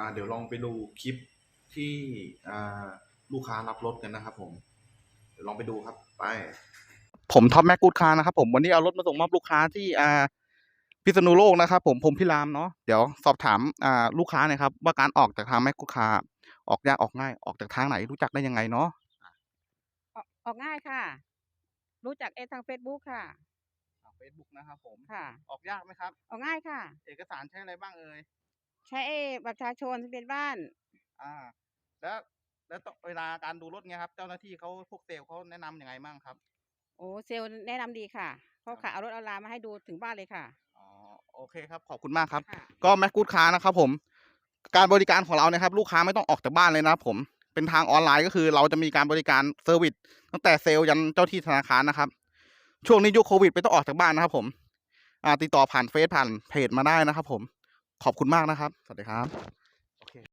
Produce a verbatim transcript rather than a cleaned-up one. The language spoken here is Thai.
เดี๋ยวลองไปดูคลิปที่อ่าลูกค้ารับรถกันนะครับผมเดี๋ยวลองไปดูครับไปผมท็อปแม็กกูดคาร์นะครับผมวันนี้เอารถมาส่งมอบลูกค้าที่อ่าพิษณุโลกนะครับผมผมพิรามเนาะเดี๋ยวสอบถามอ่าลูกค้าหน่อยครับว่าการออกจากทางแม็กกูดคาร์ออกยากออกง่ายออกจากทางไหนรู้จักได้ยังไงเนาะออกออกง่ายค่ะ รู้จักเอทางเฟซบุ๊กค่ะทางเฟซบุ๊กนะครับผมค่ะออกยากไหมครับออกง่ายค่ะเอกสารใช้อะไรบ้างเอ่ยใช้เอบัตรประชาชนทะเบียนบ้านอ่าแล้วแล้วต้องเวลาการดูรถเงี้ยครับเจ้าหน้าที่เขาพวกเซลล์เขาแนะนำยังไงบ้างครับโอ้เซลล์แนะนำดีค่ะคเขารับขายเอารถเอาลามาให้ดูถึงบ้านเลยค่ะอ๋อโอเคครับขอบคุณมากครับค่ะก็แม็กกูดคาร์นะครับผมการบริการของเราเนี่ยครับลูกค้าไม่ต้องออกจากบ้านเลยนะครับผมเป็นทางออนไลน์ก็คือเราจะมีการบริการเซอร์วิสตั้งแต่เซลล์ยันเจ้าที่ธนาคารนะครับช่วงนี้ยุคโควิดไม่ต้องออกจากบ้านนะครับผมอ่าติดต่อผ่านเฟซผ่านเพจมาได้นะครับผมขอบคุณมากนะครับสวัสดีครับ